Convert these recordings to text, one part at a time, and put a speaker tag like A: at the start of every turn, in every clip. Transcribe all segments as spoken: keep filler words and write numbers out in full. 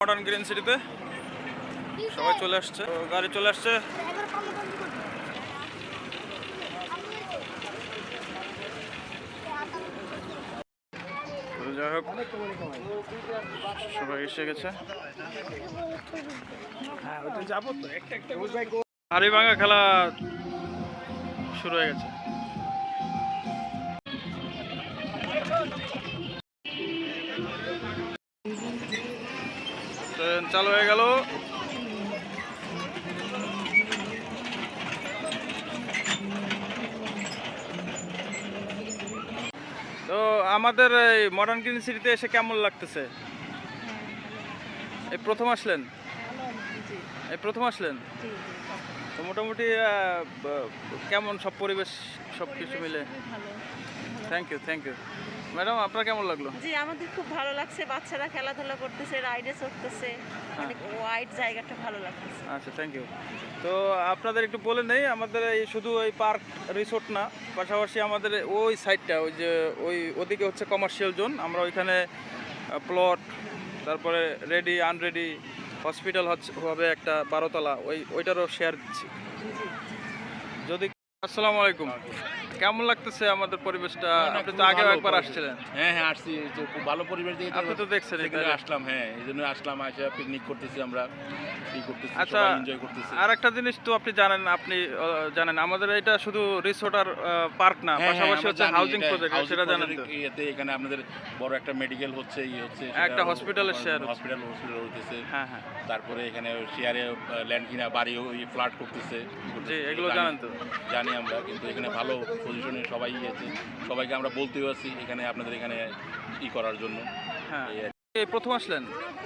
A: Modern green সিটিতে সবাই চলে আসছে, গাড়ি চলে আসছে। যাই হোক, সবাই এসে গেছে। হাড়ি ভাঙা খেলা শুরু হয়ে গেছে। ট্রেন চালু হয়ে গেল। তো আমাদের এই মডার্ন গ্রিন সিটিতে এসে কেমন লাগতেছে? এই প্রথম আসলেন? এই প্রথম আসলেন তো মোটামুটি কেমন সব পরিবেশ সব কিছু মিলে? Thank you thank you madam, আপনার কেমন লাগলো?
B: জি, আমাদের খুব ভালো লাগছে। বাচ্চারা খেলাধুলা করতেছে, রাইডে চড়তেছে, অনেক ওয়াইড জায়গাটা ভালো লাগতেছে।
A: আচ্ছা, থ্যাংক ইউ। তো আপনাদের একটু বলে নেই, আমাদের এই শুধু এই পার্ক রিসোর্ট না, পাশাপাশি আমাদের ওই সাইডটা, ওই যে ওই ওদিকে হচ্ছে কমার্শিয়াল জোন। আমরা ওইখানে প্লট, তারপরে রেডি আনরেডি হসপিটাল হচ্ছে হবে একটা বারোতলা, ওই ওইটারও শেয়ার দিচ্ছি যদি। আসসালামু আলাইকুম, কেমন লাগতেছে আমাদের পরিবেশটা? আপনি তো আগেও একবার আসছিলেন।
C: হ্যাঁ হ্যাঁ আসছি, খুব ভালো পরিবেশ দিয়ে
A: আপনি তো দেখছেন
C: আসলাম। হ্যাঁ, এই জন্য আসলাম, আসা পিকনিক করতেছি আমরা, ই করতেছি,
A: আচ্ছা,
C: সবাই এনজয় করতেছি।
A: আর একটা জিনিস তো আপনি জানেন, আপনি জানেন আমাদের এটা শুধু রিসোর্ট আর পার্ক না, পাশাপাশি হচ্ছে হাউজিং প্রজেক্ট, সেটা জানেন তো?
C: এতে এখানে আপনাদের বড় একটা মেডিকেল হচ্ছে, ই হচ্ছে,
A: একটা হসপিটালের শেয়ার,
C: হসপিটাল হসপিটাল হইতেছে।
A: হ্যাঁ হ্যাঁ।
C: তারপরে এখানে শেয়ারে ল্যান্ড কিনা বাড়ি ওই ফ্ল্যাট করতেছে।
A: জি, এগুলো জানেন তো?
C: জানি আমরা, কিন্তু এখানে ভালো পজিশনে সবাই আছে, সবাইকে আমরা বলতেও আছি এখানে আপনাদের এখানে ই করার জন্য।
A: হ্যাঁ, এই প্রথম আসলেন?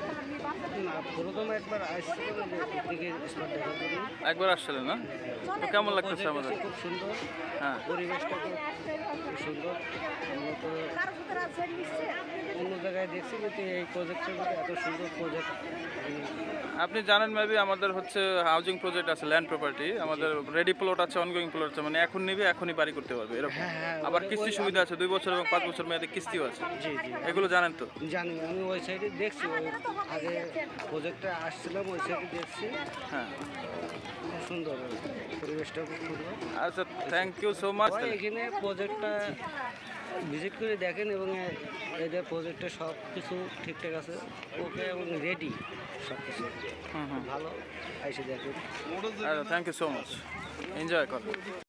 A: একবার আসছিলেন না? তো কেমন লাগতেছে আমাদের?
D: খুব সুন্দর,
A: হ্যাঁ,
D: পরিবেশটা খুব সুন্দর। আমরা তো অন্য জায়গায় দেখছি, কিন্তু এই প্রজেক্টের মধ্যে এত সুন্দর প্রজেক্ট
A: আপনি জানেন মেবি আমাদের হচ্ছে হাউজিং প্রজেক্ট আছে, ল্যান্ড প্রপার্টি, আমাদের রেডি প্লট আছে, অনগোয়িং প্লট আছে, মানে এখন নিবে এখনই বাড়ি করতে পারবে এরকম। আবার কিস্তি সুবিধা আছে, দুই বছর এবং পাঁচ বছর মেয়াদে কিস্তিও আছে।
D: জি জি,
A: এগুলো জানেন তো?
D: জানি, আমি ওই সাইডে দেখছি, ওই আগে প্রজেক্টটা আসছিলাম, ওই সাইডে দেখছি।
A: হ্যাঁ,
D: খুব সুন্দর, পরিবেশটা খুব সুন্দর।
A: আচ্ছা, থ্যাংক ইউ সো মাচ।
D: এখানে প্রজেক্টটা ভিজিট করে দেখেন, এবং এদের প্রজেক্টে সব কিছু ঠিকঠাক আছে, ওকে, এবং রেডি সব কিছু
A: হুম হুম,
D: ভালো, এসে দেখেন।
A: আচ্ছা, thank you so much, enjoy করুন।